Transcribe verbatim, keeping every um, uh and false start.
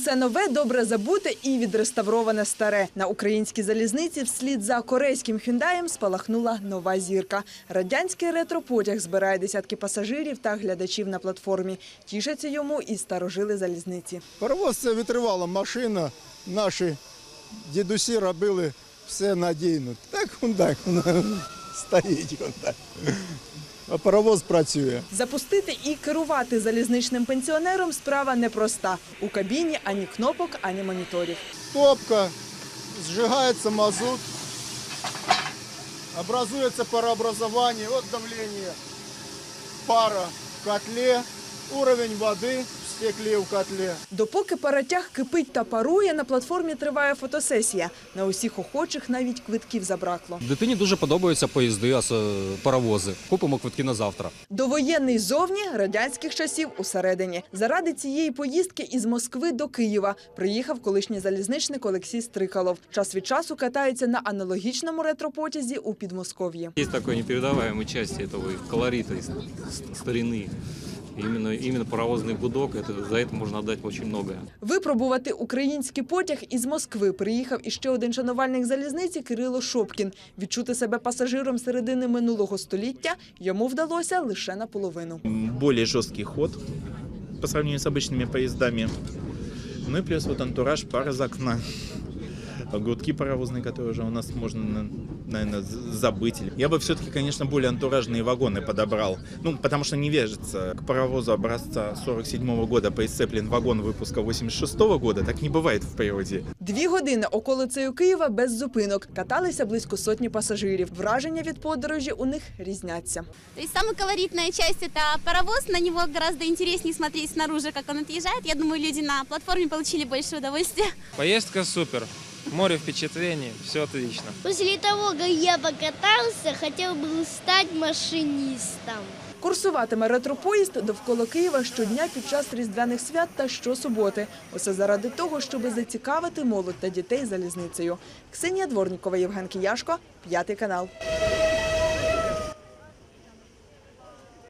Усе нове, добре забуте і відреставроване старе. На українській залізниці вслід за корейським «Хюндаєм» спалахнула нова зірка. Радянський ретропотяг збирає десятки пасажирів та глядачів на платформі. Тішаться йому і старожили залізниці. Паровоз – це витривала машина. Наші дідусі робили все надійно. Так «Хюндай» стоїть. А паровоз працює. Запустити і керувати залізничним пенсіонером – справа непроста. У кабіні ані кнопок, ані моніторів. Топка, зжигається мазут, образується парообразування, от давлення, пара в котлі, уровень води в стеклі в котлі. Допоки паротяг кипить та парує, на платформі триває фотосесія. На усіх охочих навіть квитків забракло. Дитині дуже подобаються поїзди, паровози. Купимо квитки на завтра. Довоєнний зовні, радянських часів усередині. Заради цієї поїздки із Москви до Києва приїхав колишній залізничник Олексій Стрикалов. Час від часу катається на аналогічному ретропотязі у Підмосков'ї. Є такої непередаваємої частини цього колориту, старини. Именно, именно паровозный гудок, это, за это можно отдать очень многое. Випробувати український потяг із Москви приїхав іще один шанувальник залізниці Кирило Шопкін. Відчути себе пасажиром середини минулого століття йому вдалося лише наполовину. Более жорсткий ход по сравнению с обычными поездами. Ну и плюс вот антураж, пара из окна. Гудки паровозные, которые уже у нас можно, наверное, забыть. Я бы все-таки, конечно, более антуражные вагоны подобрал. Ну, потому что не вяжется. К паровозу образца сорок седьмого года прицеплен вагон выпуска восемьдесят шестого года. Так не бывает в природе. Дві години околицею Києва без зупинок. Каталися близько сотні пасажирів. Враження від подорожі у них різняться. То есть самая колоритная часть – это паровоз. На него гораздо интереснее смотреть снаружи, как он отъезжает. Я думаю, люди на платформе получили больше удовольствия. Поездка супер. Море впечатлений, все отлично. После того, как я покатался, хотел бы стать машинистом. Курсуватиме ретропоїзд довкола Києва щодня під час різдвяних свят та щосуботи. Усе заради того, щоб зацікавити молодь та дітей залізницею. Ксенія Дворнікова, Євген Кияшко, п'ятий канал.